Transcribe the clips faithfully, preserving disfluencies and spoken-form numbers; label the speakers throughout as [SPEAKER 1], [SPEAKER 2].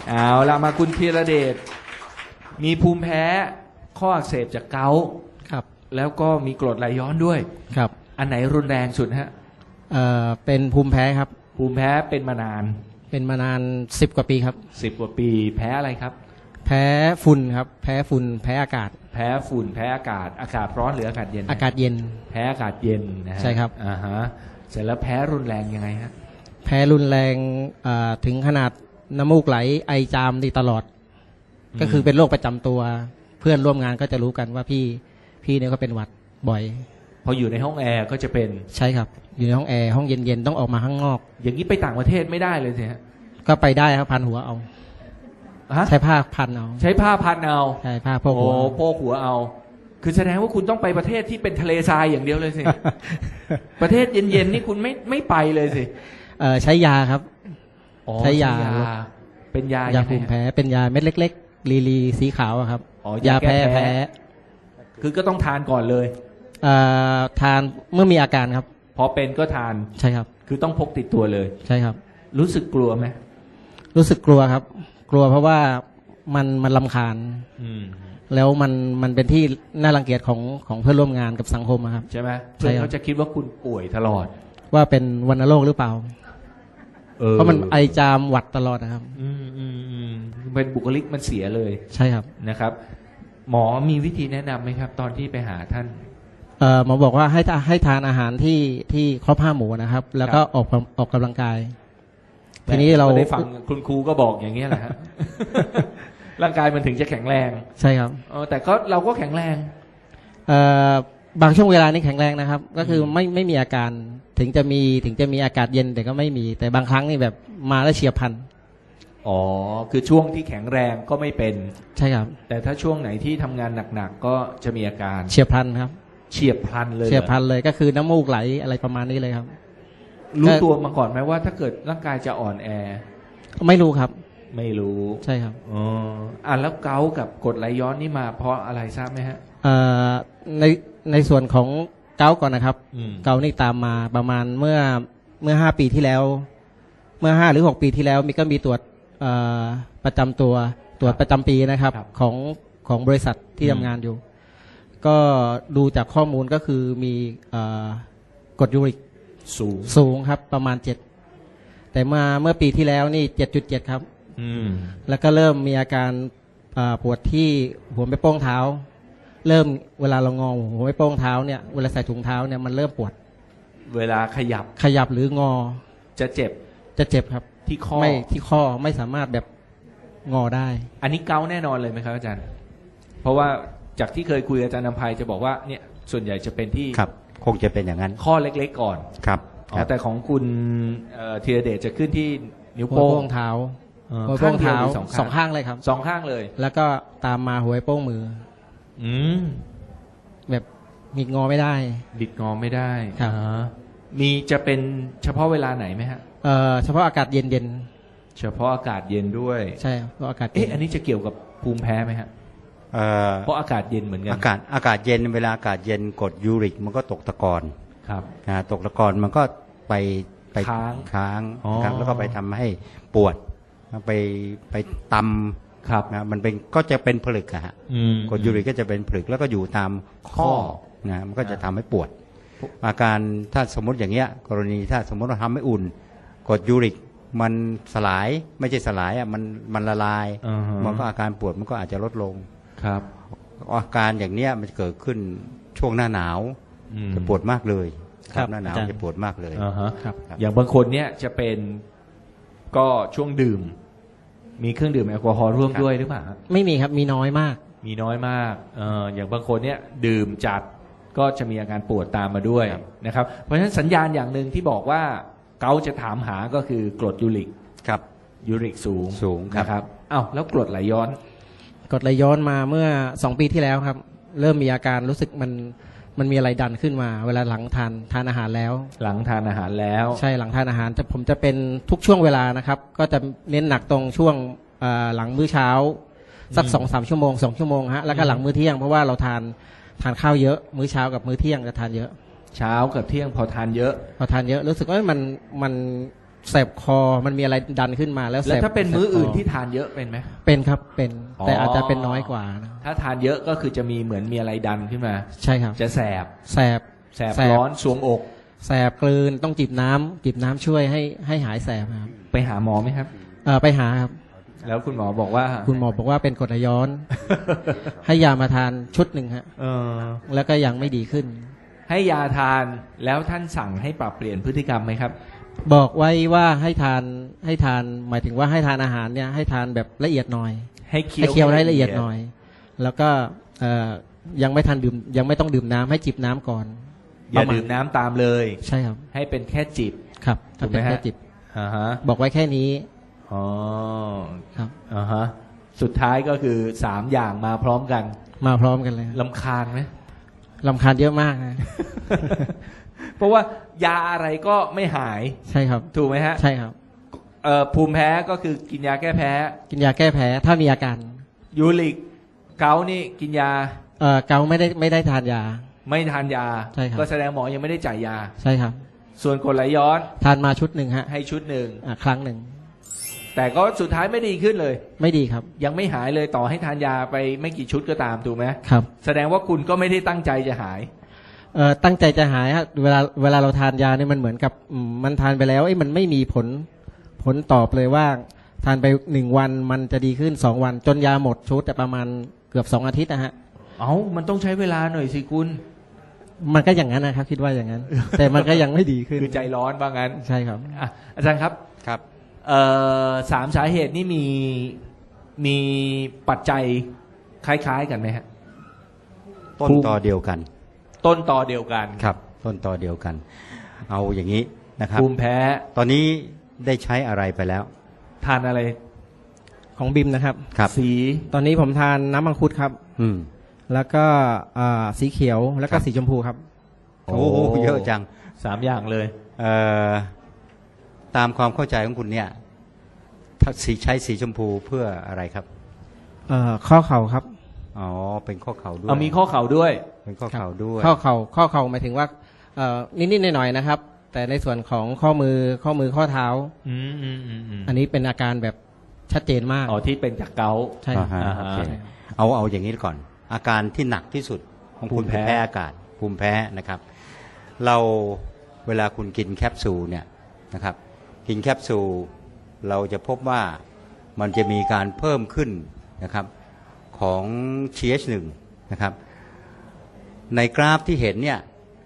[SPEAKER 1] เอาละมาคุณธีรเดชมีภูมิแพ้ข้ออักเสบจากเกาต์
[SPEAKER 2] ครับ
[SPEAKER 1] แล้วก็มีกรดไหลย้อนด้วย
[SPEAKER 2] ครับ
[SPEAKER 1] อันไหนรุนแรงสุดฮะ
[SPEAKER 2] เอ่อเป็นภูมิแพ้ครับ
[SPEAKER 1] ภูมิแพ้เป็นมานาน
[SPEAKER 2] เป็นมานานสิบกว่าปีครับ
[SPEAKER 1] สิบกว่าปีแพ้อะไรครับ
[SPEAKER 2] แพ้ฝุ่นครับแพ้ฝุ่นแพ้อากาศ
[SPEAKER 1] แพ้ฝุ่นแพ้อากาศอากาศร้อนหรืออากาศเย็น
[SPEAKER 2] อากาศเย็น
[SPEAKER 1] แพ้อากาศเย็นนะฮะ
[SPEAKER 2] ใช่ครับ
[SPEAKER 1] อ่าฮะเสร็จแล้วแพ้รุนแรงยังไงฮะ
[SPEAKER 2] แพ้รุนแรงถึงขนาดน้ำมูกไหลไอจามดีตลอดก็คือเป็นโรคประจำตัวเพื่อนร่วมงานก็จะรู้กันว่าพี่พี่เนี่ยก็เป็นหวัดบ่อย
[SPEAKER 1] พออยู่ในห้องแอร์ก็จะเป็น
[SPEAKER 2] ใช่ครับอยู่ในห้องแอร์ห้องเย็นๆต้องออกมาข้างนอก
[SPEAKER 1] อย่างนี้ไปต่างประเทศไม่ได้เลยสิฮะ
[SPEAKER 2] ก็ไปได้ครับพันหัวเอาใช้ผ้าพันเอา
[SPEAKER 1] ใช้ผ้าพันเอา
[SPEAKER 2] ใช่ผ้าโพกหัว
[SPEAKER 1] โอ้โพกหัวเอาคือแสดงว่าคุณต้องไปประเทศที่เป็นทะเลทรายอย่างเดียวเลยสิ ประเทศเย็นๆนี่คุณไม่ไม่ไปเลยสิ
[SPEAKER 2] เออใช้ยาครับใช้ยา
[SPEAKER 1] เป็นยาย
[SPEAKER 2] าภูมิแพ้เป็นยาเม็ดเล็กๆลีลีสีขาวครับยาแพ้แพ้
[SPEAKER 1] คือก็ต้องทานก่อนเลย
[SPEAKER 2] เอ่อทานเมื่อมีอาการครับ
[SPEAKER 1] พอเป็นก็ทาน
[SPEAKER 2] ใช่ครับ
[SPEAKER 1] คือต้องพกติดตัวเลย
[SPEAKER 2] ใช่ครับ
[SPEAKER 1] รู้สึกกลัวไหม
[SPEAKER 2] รู้สึกกลัวครับกลัวเพราะว่ามันมันรำคาญแล้วมันมันเป็นที่น่ารังเกียจของของเพื่อนร่วมงานกับสังคมครับ
[SPEAKER 1] ใช่ไหมเพื่อนเขาจะคิดว่าคุณป่วยตลอด
[SPEAKER 2] ว่าเป็นวัณโรคหรือเปล่าเพราะมันไอจามหวัดตลอดนะครับ
[SPEAKER 1] อืมอืมอืมเป็นบุคลิกมันเสียเลย
[SPEAKER 2] ใช่ครับ
[SPEAKER 1] นะครับหมอมีวิธีแนะนำไหมครับตอนที่ไปหาท่าน
[SPEAKER 2] เอ่อหมอบอกว่าให้ให้ทานอาหารที่ที่ครบห้าหมู่นะครับแล้วก็ออกออกกำลังกายทีนี้เรา
[SPEAKER 1] ได้ฟังคุณครูก็บอกอย่างนี้แหละฮะ ร่างกายมันถึงจะแข็งแรง
[SPEAKER 2] ใช่ครับ
[SPEAKER 1] เออแต่ก็เราก็แข็งแรง
[SPEAKER 2] เอ่อบางช่วงเวลานี้แข็งแรงนะครับก็คือไม่ไม่มีอาการถึงจะมีถึงจะมีอากาศเย็นแต่ก็ไม่มีแต่บางครั้งนี่แบบมาแล้วเฉียบพลัน
[SPEAKER 1] อ๋อคือช่วงที่แข็งแรงก็ไม่เป็น
[SPEAKER 2] ใช่ครับ
[SPEAKER 1] แต่ถ้าช่วงไหนที่ทำงานหนักๆก็จะมีอาการ
[SPEAKER 2] เฉียบพลันครับ
[SPEAKER 1] เฉียบพลันเลย
[SPEAKER 2] เฉียบพลันเลยก็คือน้ำมูกไหลอะไรประมาณนี้เลยครับ
[SPEAKER 1] รู้ตัวมาก่อนไหมว่าถ้าเกิดร่างกายจะอ่อนแอ
[SPEAKER 2] ไม่รู้ครับ
[SPEAKER 1] ไม่รู้
[SPEAKER 2] ใช่ครับ
[SPEAKER 1] อ๋ออ่ะแล้วเกาต์กับกรดไหลย้อนนี่มาเพราะอะไรทราบไหมฮะ
[SPEAKER 2] เอ่อในในส่วนของเกาต์ก่อนนะครับเกาต์นี่ตามมาประมาณเมื่อเมื่อห้าปีที่แล้วเมื่อห้าหรือหกปีที่แล้วมีก็มีตรวจประจำตัวตรวจประจำปีนะครับของของบริษัทที่ทำงานอยู่ก็ดูจากข้อมูลก็คือมีกรดยูริก
[SPEAKER 1] สูง
[SPEAKER 2] สูงครับประมาณเจ็ดแต่เมื่อเมื่อปีที่แล้วนี่เจ็ดจุดเจ็ดครับแล้วก็เริ่มมีอาการปวดที่หัวแม่โป้งเท้าเริ่มเวลาเรางอหัวแม่โป้งเท้าเนี่ยเวลาใส่ถุงเท้าเนี่ยมันเริ่มปวด
[SPEAKER 1] เวลาขยับ
[SPEAKER 2] ขยับหรืองอ
[SPEAKER 1] จะเจ็บ
[SPEAKER 2] จะเจ็บครับ
[SPEAKER 1] ที่ข้อ
[SPEAKER 2] ไม่ที่ข้อไม่สามารถแบบงอได้
[SPEAKER 1] อันนี้เกาแน่นอนเลยไหมครับอาจารย์เพราะว่าจากที่เคยคุยกับอาจารย์นำไพจะบอกว่าเนี่ยส่วนใหญ่จะเป็นที่
[SPEAKER 3] ครับคงจะเป็นอย่างนั้น
[SPEAKER 1] ข้อเล็กๆก่อน
[SPEAKER 3] ครับ
[SPEAKER 1] แต่ของคุณธีรเดชจะขึ้นที่นิ้วโป้ง
[SPEAKER 2] เท้าหัวโป้งเท้าสองข้างเลยครับ
[SPEAKER 1] สองข้างเลย
[SPEAKER 2] แล้วก็ตามมาหัวโป้งมือ
[SPEAKER 1] อืม
[SPEAKER 2] แบบบิดงอไม่ได้
[SPEAKER 1] บิดงอไม่ได้
[SPEAKER 2] ครับ
[SPEAKER 1] มีจะเป็นเฉพาะเวลาไหนไหมฮะ
[SPEAKER 2] เอ่อเฉพาะอากาศเย็นเย็น
[SPEAKER 1] เฉพาะอากาศเย็นด้วย
[SPEAKER 2] ใช่เพราะอากาศ
[SPEAKER 1] เอ๊ะอันนี้จะเกี่ยวกับภูมิแพ้ไหมฮะเพราะอากาศเย็นเหมือนกัน
[SPEAKER 3] อากาศอากาศเย็นเวลาอากาศเย็นกรดยูริกมันก็ตกตะกอน
[SPEAKER 1] ครับ
[SPEAKER 3] ตกตะกอนมันก็ไปไป
[SPEAKER 1] ค้าง
[SPEAKER 3] ค้างครับแล้วก็ไปทำให้ปวดไปไปตำ
[SPEAKER 1] ครับ
[SPEAKER 3] นะมันเป็นก็จะเป็นผลึกอะฮะกรดยูริกก็จะเป็นผลึกแล้วก็อยู่ตามข้อนะมันก็จะทำให้ปวดอาการถ้าสมมติอย่างเงี้ยกรณีถ้าสมมติเราทำให้อุ่นกรดยูริกมันสลายไม่ใช่สลายอ่ะมันมันละลายมันก็อาการปวดมันก็อาจจะลดลง
[SPEAKER 1] ครับ
[SPEAKER 3] อาการอย่างเนี้ยมันเกิดขึ้นช่วงหน้าหนาวจะปวดมากเลยครับหน้าหนาวจะปวดมากเลย
[SPEAKER 1] ครับอย่างบางคนเนี้ยจะเป็นก็ช่วงดื่มมีเครื่องดื่มแอลกอฮอล์ร่วมด้วยหรือเปล่า
[SPEAKER 2] ไม่มีครับมีน้อยมาก
[SPEAKER 1] มีน้อยมากเอออย่างบางคนเนี้ยดื่มจัดก็จะมีอาการปวดตามมาด้วยนะครับเพราะฉะนั้นสัญญาณอย่างหนึ่งที่บอกว่าเกาจะถามหาก็คือกรดยูริก
[SPEAKER 3] ครับ
[SPEAKER 1] ยูริกสูง
[SPEAKER 3] สูง
[SPEAKER 1] นะครับอ้าวแล้วกรดไหลย้อน
[SPEAKER 2] กรดไหลย้อนมาเมื่อสองปีที่แล้วครับเริ่มมีอาการรู้สึกมันมันมีอะไรดันขึ้นมาเวลาหลังทานทานอาหารแล้ว
[SPEAKER 1] หลังทานอาหารแล้ว
[SPEAKER 2] ใช่หลังทานอาหารจะผมจะเป็นทุกช่วงเวลานะครับก็จะเน้นหนักตรงช่วงหลังมื้อเช้าสักสองสามชั่วโมงสองชั่วโมงฮะแล้วก็หลังมื้อเที่ยงเพราะว่าเราทานทานข้าวเยอะมื้อเช้ากับมื้อเที่ยงจะทานเยอะ
[SPEAKER 1] เช้ากับเที่ยงพอทานเยอะ
[SPEAKER 2] พอทานเยอะรู้สึกว่ามันมันแสบคอมันมีอะไรดันขึ้นมาแล้วแสบ
[SPEAKER 1] แล้วถ้าเป็นมื้ออื่น
[SPEAKER 2] แสบค
[SPEAKER 1] ที่ทานเยอะเป็นไหม
[SPEAKER 2] เป็นครับเป็น
[SPEAKER 1] อ๋อ
[SPEAKER 2] แต่อาจจะเป็นน้อยกว่านะ
[SPEAKER 1] ถ้าทานเยอะก็คือจะมีเหมือนมีอะไรดันขึ้นมา
[SPEAKER 2] ใช่ครับ
[SPEAKER 1] จะแสบ
[SPEAKER 2] แสบ
[SPEAKER 1] แสบร้อนสวงอก
[SPEAKER 2] แสบกลืนต้องจิบน้ำจิบน้ำช่วยให้ให้หายแสบครับ
[SPEAKER 1] ไปหาหมอไหมครับ
[SPEAKER 2] เออไปหาครับ
[SPEAKER 1] แล้วคุณหมอบอกว่า
[SPEAKER 2] คุณหมอบอกว่าเป็นกรดไหลย้อน ให้ยามาทานชุดหนึ่งฮะ
[SPEAKER 1] เออ
[SPEAKER 2] แล้วก็ยังไม่ดีขึ้น
[SPEAKER 1] ให้ยาทานแล้วท่านสั่งให้ปรับเปลี่ยนพฤติกรรมไหมครับ
[SPEAKER 2] บอกไว้ว่าให้ทานให้ทานหมายถึงว่าให้ทานอาหารเนี่ยให้ทานแบบละเอียดหน่อย
[SPEAKER 1] ให้เคี้
[SPEAKER 2] ให้
[SPEAKER 1] ยว
[SPEAKER 2] เคี้ยวให้ละเอียดหน่อย แล้วก็เอ่อยังไม่ทันดื่มยังไม่ต้องดื่มน้ำให้จิบน้ำก่อน
[SPEAKER 1] อย่า
[SPEAKER 2] ประมาณ
[SPEAKER 1] ดื่มน้ำตามเลย
[SPEAKER 2] ใช่ครับ
[SPEAKER 1] ให้เป็นแค่จิบ
[SPEAKER 2] ครับ
[SPEAKER 1] ถูกไหม
[SPEAKER 2] ทำเป็น
[SPEAKER 1] ฮะ
[SPEAKER 2] แค่จิบ
[SPEAKER 1] อ่าฮะ
[SPEAKER 2] บอกไว้แค่นี้
[SPEAKER 1] อ๋อ
[SPEAKER 2] ครับ
[SPEAKER 1] อ่าฮะสุดท้ายก็คือสามอย่างมาพร้อมกัน
[SPEAKER 2] มาพร้อมกันเลย
[SPEAKER 1] ลำคาญไหม
[SPEAKER 2] ลำคาญเยอะมากนะ
[SPEAKER 1] เพราะว่ายาอะไรก็ไม่หาย
[SPEAKER 2] ใช่ครับ
[SPEAKER 1] ถูกไหมฮะ
[SPEAKER 2] ใช่ครับ
[SPEAKER 1] เอ่อภูมิแพ้ก็คือกินยาแก้แพ้
[SPEAKER 2] กินยาแก้แพ้ถ้ามีอาการ
[SPEAKER 1] ยูริกเกาต์นี่กินยา
[SPEAKER 2] เอ่อเกาไม่ได้ไม่ได้ทานยา
[SPEAKER 1] ไม่ทานยา
[SPEAKER 2] ใช่ครับ
[SPEAKER 1] ก็แสดงหมอยังไม่ได้จ่ายยา
[SPEAKER 2] ใช่ครับ
[SPEAKER 1] ส่วนกรดไหลย้อน
[SPEAKER 2] ทานมาชุดหนึ่งฮะ
[SPEAKER 1] ให้ชุดหนึ่ง
[SPEAKER 2] อ่ะครั้งหนึ่ง
[SPEAKER 1] แต่ก็สุดท้ายไม่ดีขึ้นเลย
[SPEAKER 2] ไม่ดีครับ
[SPEAKER 1] ยังไม่หายเลยต่อให้ทานยาไปไม่กี่ชุดก็ตามถูกไหม
[SPEAKER 2] ครับ
[SPEAKER 1] แสดงว่าคุณก็ไม่ได้ตั้งใจจะหาย
[SPEAKER 2] เอ่อตั้งใจจะหายฮะเวลาเวลาเราทานยาเนี่ยมันเหมือนกับอืมมันทานไปแล้วไอ้ยมันไม่มีผลผลตอบเลยว่า ทานไปหนึ่งวันมันจะดีขึ้นสองวัน จนยาหมดชุดแต่ประมาณเกือบสองอาทิตย์นะฮะ
[SPEAKER 1] เอ้ามันต้องใช้เวลาหน่อยสิคุณ
[SPEAKER 2] มันก็อย่างนั้นนะครับคิดว่าอย่างนั้น แต่มันก็ยังไม่ดีขึ้น
[SPEAKER 1] คือใจร้อนว่างั้น
[SPEAKER 2] ใช่ครับ
[SPEAKER 1] อ่ะอาจารย์ครับ
[SPEAKER 3] ครับ
[SPEAKER 1] เอ่อสามสาเหตุนี่มีมีปัจจัยคล้ายๆกันไหมฮะ
[SPEAKER 3] ต้นตอเดียวกัน
[SPEAKER 1] ต้นตอเดียวกัน
[SPEAKER 3] ครับ ต้นตอเดียวกัน เอาอย่างนี้นะครับ
[SPEAKER 1] ภูมิแพ้
[SPEAKER 3] ตอนนี้ได้ใช้อะไรไปแล้ว
[SPEAKER 1] ทานอะไร
[SPEAKER 2] ของบิมนะครับ
[SPEAKER 3] ครับ
[SPEAKER 1] สี
[SPEAKER 2] ตอนนี้ผมทานน้ำมังคุดครับ
[SPEAKER 3] อืม
[SPEAKER 2] แล้วก็อ่าสีเขียวแล้วก็
[SPEAKER 3] ครับ
[SPEAKER 2] สีชมพูครับ
[SPEAKER 3] โอ้โหเยอะจัง
[SPEAKER 1] สามอย่างเลย
[SPEAKER 3] เอ่อตามความเข้าใจของคุณเนี่ยถ้าสีใช้สีชมพูเพื่ออะไรครับ
[SPEAKER 2] เอ่อข้อเข่าครับ
[SPEAKER 3] อ๋อเป็นข้อเข่าด้วย
[SPEAKER 1] เอามีข้อเข่าด้วย
[SPEAKER 3] เป็นข้อเข่าด้วย
[SPEAKER 2] ข้อเข่าข้อเข่าหมายถึงว่าเอ่อนิดๆหน่อยๆนะครับ แต่ในส่วนของข้อมือข้อมือข้อเท้า
[SPEAKER 1] อืมอืมอืมอืม
[SPEAKER 2] อันนี้เป็นอาการแบบชัดเจนมาก
[SPEAKER 1] อ๋อที่เป็นจากเกาต์
[SPEAKER 2] ใช่
[SPEAKER 3] อ่าฮะ
[SPEAKER 1] อ่าฮะ
[SPEAKER 3] โอเคเอาเอาอย่างนี้ก่อน อาการที่หนักที่สุดของ
[SPEAKER 1] ภู
[SPEAKER 3] คุณ
[SPEAKER 1] มิแพ้
[SPEAKER 3] แพ้อากาศ ภูมิแพ้นะครับ เราเวลาคุณกินแคปซูลเนี่ยนะครับ กินแคปซูลเราจะพบว่ามันจะมีการเพิ่มขึ้นนะครับของ ที เอช หนึ่ง นะครับ ในกราฟที่เห็นเนี่ย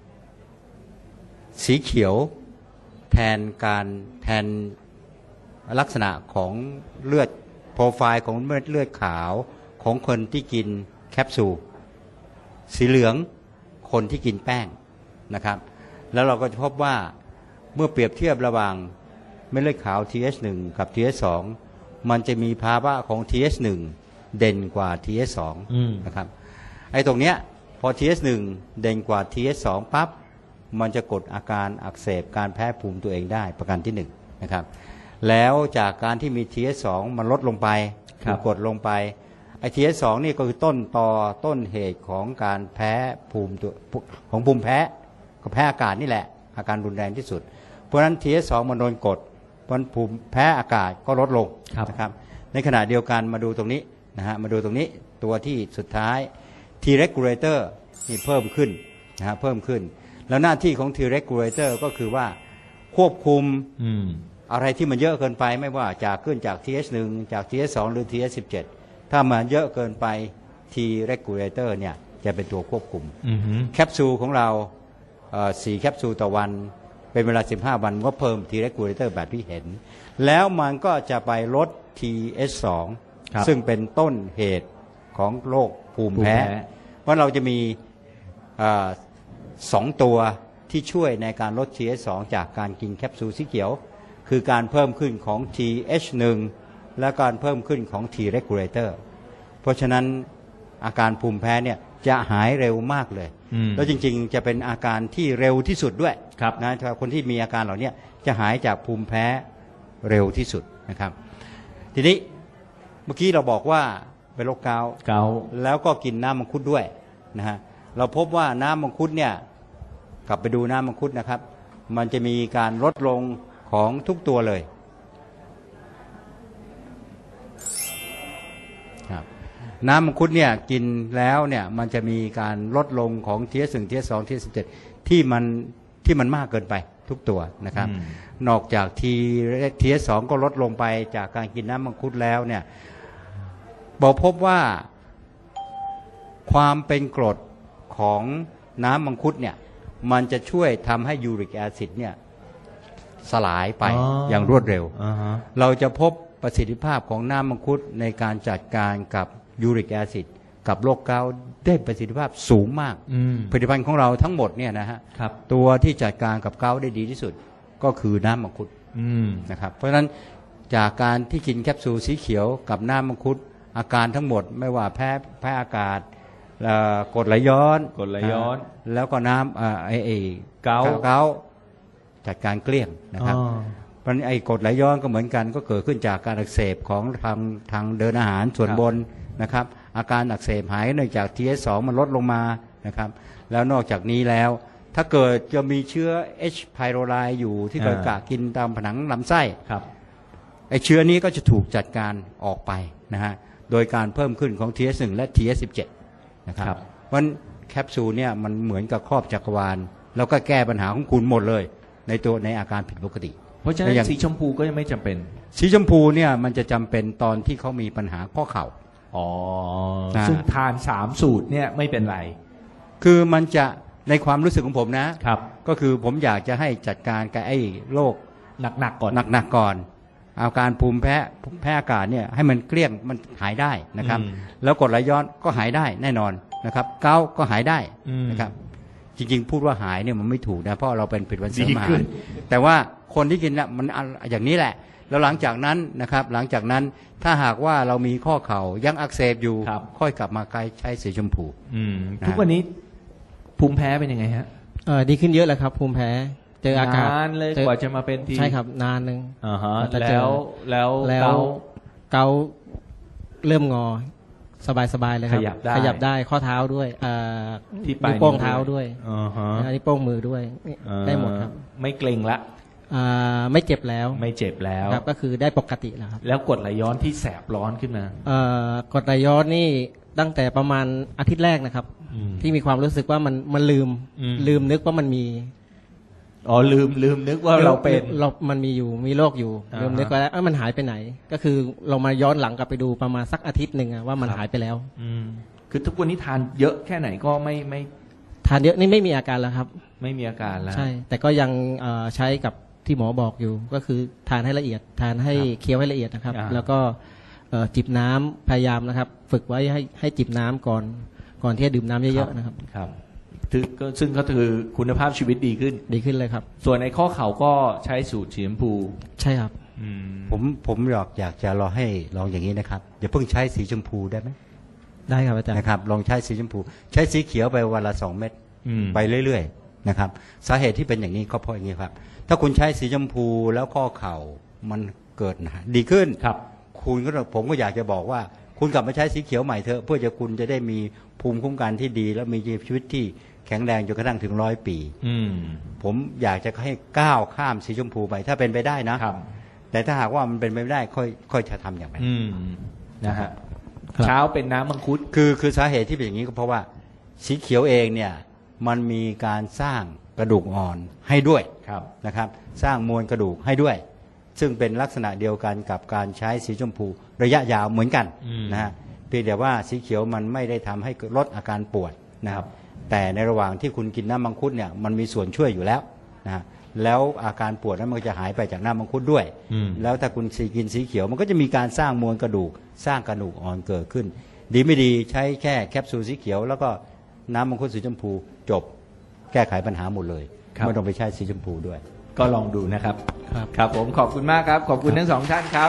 [SPEAKER 3] สีเขียวแทนการแทนลักษณะของเลือดโปรไฟล์ของเลือดเลือดขาวของคนที่กินแคปซูลสีเหลืองคนที่กินแป้งนะครับ แล้วเราก็จะพบว่าเมื่อเปรียบเทียบระหว่างเม็ดเลือดขาว ที เอช หนึ่ง กับ ที เอช สอง มันจะมีภาวะของ ที เอช หนึ่ง เด่นกว่า ที เอช สอง
[SPEAKER 1] อืม
[SPEAKER 3] นะครับไอ้ตรงเนี้ยพอ ที เอช หนึ่ง เด่นกว่า ที เอช สอง ปั๊บมันจะกดอาการอักเสบการแพ้ภูมิตัวเองได้ประการที่หนึ่งนะครับแล้วจากการที่มี ที เอช สอง มันลดลงไป
[SPEAKER 1] ครับ
[SPEAKER 3] ถูกกดลงไปไอ้ ที เอช สอง นี่ก็คือต้นตอต้นเหตุของการแพ้ภูมิตัวของภูมิแพ้ก็แพ้อากาศนี่แหละอาการรุนแรงที่สุดเพราะฉะนั้น ที เอช สอง มันโดนกดเพราะฉะนั้นภูมิแพ้อากาศก็ลดลง
[SPEAKER 1] ครับ
[SPEAKER 3] นะครับในขณะเดียวกันมาดูตรงนี้นะฮะมาดูตรงนี้ตัวที่สุดท้าย T regulator นี่เพิ่มขึ้นนะฮะเพิ่มขึ้น แล้วหน้าที่ของ T regulator ก็คือว่าควบคุม
[SPEAKER 1] อืม
[SPEAKER 3] อะไรที่มันเยอะเกินไปไม่ว่าจากขึ้นจาก ที เอช หนึ่ง จาก ที เอช สอง หรือ ที เอช สิบเจ็ด ถ้ามันเยอะเกินไป T regulator เนี่ยจะเป็นตัวควบคุม
[SPEAKER 1] อืมฮึ
[SPEAKER 3] แคปซูลของเราเอ่อสี่แคปซูลต่อวันเป็นเวลาสิบห้าวันก็เพิ่ม T regulator แบบที่เห็น แล้วมันก็จะไปลด ที เอช สอง
[SPEAKER 1] ครับ
[SPEAKER 3] ซึ่งเป็นต้นเหตุของโรคภูมิแพ้
[SPEAKER 1] ภูมิแพ้
[SPEAKER 3] เพราะเราจะมีเอ่อสองตัวที่ช่วยในการลด ที เอช สอง จากการกินแคปซูลสีเขียว คือการเพิ่มขึ้นของ ที เอช หนึ่ง และการเพิ่มขึ้นของ T regulator เพราะฉะนั้นอาการภูมิแพ้เนี่ยจะหายเร็วมากเลย
[SPEAKER 1] อืม
[SPEAKER 3] แล้วจริงๆจะเป็นอาการที่เร็วที่สุดด้วย
[SPEAKER 1] ครับ
[SPEAKER 3] นะถ้าคนที่มีอาการเหล่านี้จะหายจากภูมิแพ้เร็วที่สุดนะครับ ทีนี้เมื่อกี้เราบอกว่าเป็นโรคเกาต์
[SPEAKER 1] เกาต์
[SPEAKER 3] แล้วก็กินน้ำมังคุดด้วยนะฮะเราพบว่าน้ำมังคุดเนี่ยกลับไปดูน้ำมังคุดนะครับ มันจะมีการลดลงของทุกตัวเลยครับน้ำมังคุดเนี่ยกินแล้วเนี่ยมันจะมีการลดลงของ ที เอส หนึ่ง ที เอส สอง ที เอส สิบเจ็ด ที่มันที่มันมากเกินไปทุกตัวนะครับ
[SPEAKER 1] อืม
[SPEAKER 3] นอกจาก T ที เอส สอง ก็ลดลงไปจากการกินน้ำมังคุดแล้วเนี่ยบอกพบว่าความเป็นกรดของน้ำมังคุดเนี่ยมันจะช่วยทำให้ยูริกแอซิดเนี่ยสลายไป
[SPEAKER 1] อ๋อ
[SPEAKER 3] อ
[SPEAKER 1] อย่าง
[SPEAKER 3] รวดเร็ว
[SPEAKER 1] อ่าฮะ
[SPEAKER 3] เราจะพบประสิทธิภาพของน้ำมังคุดในการจัดการกับยูริกแอซิดกับโรคเกาต์ได้ประสิทธิภาพสูงมาก
[SPEAKER 1] อืม
[SPEAKER 3] ผลิตภัณฑ์ของเราทั้งหมดเนี่ยนะฮะ
[SPEAKER 1] ครับ
[SPEAKER 3] ตัวที่จัดการกับเกาต์ได้ดีที่สุดก็คือน้ำมังคุด
[SPEAKER 1] อืม
[SPEAKER 3] นะครับเพราะฉะนั้นจากการที่กินแคปซูลสีเขียวกับน้ำมังคุดอาการทั้งหมดไม่ว่าแพ้แพ้อากาศเอ่อกรดไหลย้อน
[SPEAKER 1] กรดไหลย้อน
[SPEAKER 3] ะแล้วก็น้ำเอ่อไอไอ
[SPEAKER 1] เกาต์
[SPEAKER 3] เกาต์จัดการเกลี้ยงนะครับ
[SPEAKER 1] อ๋อ
[SPEAKER 3] เพราะฉะนั้นไอกรดไหลย้อนก็เหมือนกันก็เกิดขึ้นจากการอักเสบของทางทางเดินอาหารส่วน
[SPEAKER 1] ครับ
[SPEAKER 3] บนนะครับอาการอักเสบหายเนื่องจาก ที เอส สอง มันลดลงมานะครับแล้วนอกจากนี้แล้วถ้าเกิดจะมีเชื้อ H. pylori อยู่ที่เกิดกะกินตามผนังลำไส้
[SPEAKER 1] ครับ
[SPEAKER 3] ไอเชื้อนี้ก็จะถูกจัดการออกไปนะฮะโดยการเพิ่มขึ้นของ ที เอส หนึ่ง และ ที เอส สิบเจ็ด นะครับ
[SPEAKER 1] ครับ
[SPEAKER 3] เพราะฉะนั้นแคปซูลเนี่ยมันเหมือนกับครอบจักรวาลแล้วก็แก้ปัญหาของคุณหมดเลยในตัวในอาการผิดปกติ
[SPEAKER 1] เพราะฉะนั้
[SPEAKER 3] แล้วอน ย่าง
[SPEAKER 1] สีชมพูก็ยังไม่จำเป็น
[SPEAKER 3] สีชมพูเนี่ยมันจะจำเป็นตอนที่เขามีปัญหาข้อเข่า
[SPEAKER 1] อ๋อ
[SPEAKER 3] นะ
[SPEAKER 1] ซึ่งทานสามสูตรเนี่ยไม่เป็นไร
[SPEAKER 3] คือมันจะในความรู้สึกของผมนะ
[SPEAKER 1] ครับ
[SPEAKER 3] ก็คือผมอยากจะให้จัดการกับไอ้โรค
[SPEAKER 1] หนักๆก่อน
[SPEAKER 3] หนักๆก่อนอาการภูมิแพ้แพ้อากาศเนี่ยให้มันเกลี้ยงมันหายได้นะครับ
[SPEAKER 1] อืม
[SPEAKER 3] แล้วกรดไหลย้อนก็หายได้แน่นอนนะครับเกาต์ก็หายได้
[SPEAKER 1] อืม
[SPEAKER 3] นะครับจริงๆพูดว่าหายเนี่ยมันไม่ถูกนะเพราะเราเป็นผลิตภัณฑ์เสริม
[SPEAKER 1] ดี
[SPEAKER 3] อา
[SPEAKER 1] ขึ้
[SPEAKER 3] หาร
[SPEAKER 1] น
[SPEAKER 3] แต่ว่าคนที่กินเนี่ยมันอันอย่างนี้แหละ แล้วหลังจากนั้นนะครับหลังจากนั้นถ้าหากว่าเรามีข้อเข่ายังอักเสบอยู่
[SPEAKER 1] ครับ
[SPEAKER 3] ค่อยกลับมาใช้สีชมพู
[SPEAKER 1] อืม
[SPEAKER 3] นะ
[SPEAKER 1] ทุกวันนี้ภูมิแพ้เป็นยังไงฮะ
[SPEAKER 2] เออดีขึ้นเยอะเลยครับ ภูมิแพ้เจออากาศ
[SPEAKER 1] นานเลย
[SPEAKER 2] จอก
[SPEAKER 1] ว่าจะมาเป็นที
[SPEAKER 2] ใช่ครับนานหนึ่ง
[SPEAKER 1] อ่าฮะ
[SPEAKER 2] กว่าจะเจอ
[SPEAKER 1] แล้วแล้ว
[SPEAKER 2] แล้ว
[SPEAKER 1] เกา
[SPEAKER 2] เกาเริ่มงอสบายสบายๆเลยครับ
[SPEAKER 1] ขยับได้
[SPEAKER 2] ขยับได้ข้อเท้าด้วยเอ่อ
[SPEAKER 1] ที่ปลาย
[SPEAKER 2] นิ้วโป้ง
[SPEAKER 1] นิ้ว
[SPEAKER 2] เท้าด้วย
[SPEAKER 1] อ่าฮะ
[SPEAKER 2] นิ้วโป้งมือด้วยนี่
[SPEAKER 1] อ่า
[SPEAKER 2] ได้หมดครับ
[SPEAKER 1] ไม่เกร็งละ
[SPEAKER 2] อ่าไม่เจ็บแล้ว
[SPEAKER 1] ไม่เจ็บแล้ว
[SPEAKER 2] ครับก็คือได้ปกติแล้วครับ
[SPEAKER 1] แล้วกรดไหลย้อนที่แสบร้อนขึ้นมา
[SPEAKER 2] เอ่อกรดไหลย้อนนี่ตั้งแต่ประมาณอาทิตย์แรกนะครับ
[SPEAKER 1] อืม
[SPEAKER 2] ที่มีความรู้สึกว่ามันมันลืม
[SPEAKER 1] อืม
[SPEAKER 2] ลืมนึกว่ามันมี
[SPEAKER 1] อ๋อลืมลืมนึกว่าเราเป็น
[SPEAKER 2] เรามันมีอยู่มีโรคอยู่
[SPEAKER 1] อ่าฮะ
[SPEAKER 2] ลืมนึกไปแล้วเอ้ยมันหายไปไหน ก็คือเรามาย้อนหลังกลับไปดูประมาณสักอาทิตย์หนึ่งอะว่ามัน
[SPEAKER 1] ครับ
[SPEAKER 2] หายไปแล้ว
[SPEAKER 1] อืมคือทุกวันนี้ทานเยอะแค่ไหนก็ไม่ไม่
[SPEAKER 2] ทานเยอะนี่ไม่มีอาการแล้วครับ
[SPEAKER 1] ไม่มีอาการแล้ว
[SPEAKER 2] ใช่ แต่ก็ยังเอ่อใช้กับที่หมอบอกอยู่ ก็คือทานให้ละเอียด ทานให้
[SPEAKER 1] ครับ
[SPEAKER 2] เคี้ยวให้ละเอียดนะครับ
[SPEAKER 1] อ่า
[SPEAKER 2] แล้วก็เอ่อจิบน้ำพยายามนะครับ ฝึกไว้ให้ให้จิบน้ำก่อนก่อนที่จะดื่มน้ำเยอะๆนะครับ
[SPEAKER 1] ครับซึ่งก็ซึ่งก็คือคุณภาพชีวิตดีขึ้น
[SPEAKER 2] ดีขึ้นเลยครับ
[SPEAKER 1] ส่วนในข้อเข่าก็ใช้สูตรสีชมพู
[SPEAKER 2] ใช่ครับ
[SPEAKER 1] อืม
[SPEAKER 3] ผมผมอยากอยากจะรอให้ลองอย่างนี้นะครับอย่าเพิ่งใช้สีชมพูได้ไหม
[SPEAKER 2] ได้ครับอาจารย์
[SPEAKER 3] นะครับลองใช้สีชมพู ใช้สีเขียวไปวันละสองเม็ด
[SPEAKER 1] อืม
[SPEAKER 3] ไปเรื่อยๆนะครับสาเหตุที่เป็นอย่างนี้ก็เพราะอย่างนี้ครับถ้าคุณใช้สีชมพูแล้วข้อเข่ามันเกิดนะดีขึ้น
[SPEAKER 1] ครับ
[SPEAKER 3] คุณก็ผมก็อยากจะบอกว่า คุณกลับมาใช้สีเขียวใหม่เถอะเพื่อจะคุณจะได้มีภูมิคุ้มกันที่ดี แล้วมีชีวิตที่แข็งแรงจนกระทั่งถึงร้อยปี
[SPEAKER 1] อืม
[SPEAKER 3] ผมอยากจะให้ก้าวข้ามสีชมพูไปถ้าเป็นไปได้นะ
[SPEAKER 1] ครับ
[SPEAKER 3] แต่ถ้าหากว่ามันเป็นไปไม่ได้ค่อยค่อยจะทำอย่างไร
[SPEAKER 1] อืมนะฮะ
[SPEAKER 2] ครับ
[SPEAKER 1] เช้าเป็นน้ำมังคุด
[SPEAKER 3] คือคือสาเหตุที่เป็นอย่างนี้ก็เพราะว่าสีเขียวเองเนี่ยมันมีการสร้างกระดูกอ่อนให้ด้วย
[SPEAKER 1] ครับ
[SPEAKER 3] นะครับสร้างมวลกระดูกให้ด้วย ซึ่งเป็นลักษณะเดียวกันกับการใช้สีชมพูระยะยาวเหมือนกัน
[SPEAKER 1] อืม
[SPEAKER 3] นะฮะเพียงแต่ว่าสีเขียวมันไม่ได้ทำให้ลดอาการปวดนะครับแต่ในระหว่างที่คุณกินน้ำมังคุดเนี่ยมันมีส่วนช่วยอยู่แล้วนะฮะแล้วอาการปวดนั้นมันก็จะหายไปจากน้ำมังคุดด้วย
[SPEAKER 1] อืม
[SPEAKER 3] แล้วถ้าคุณสีกินสีเขียวมันก็จะมีการสร้างมวลกระดูก สร้างกระดูกอ่อนเกิดขึ้น ดีไม่ดีใช้แค่แคปซูลสีเขียว แล้วก็น้ำมังคุดสีชมพูจบแก้ไขปัญหาหมดเลย
[SPEAKER 1] ครับ
[SPEAKER 3] ไม่ต้องไปใช้สีชมพูด้วย
[SPEAKER 1] ก็ลองดูนะครับ
[SPEAKER 2] ครับ
[SPEAKER 1] ครับผมขอบคุณมากครับ ขอบคุณทั้งสองท่านครับ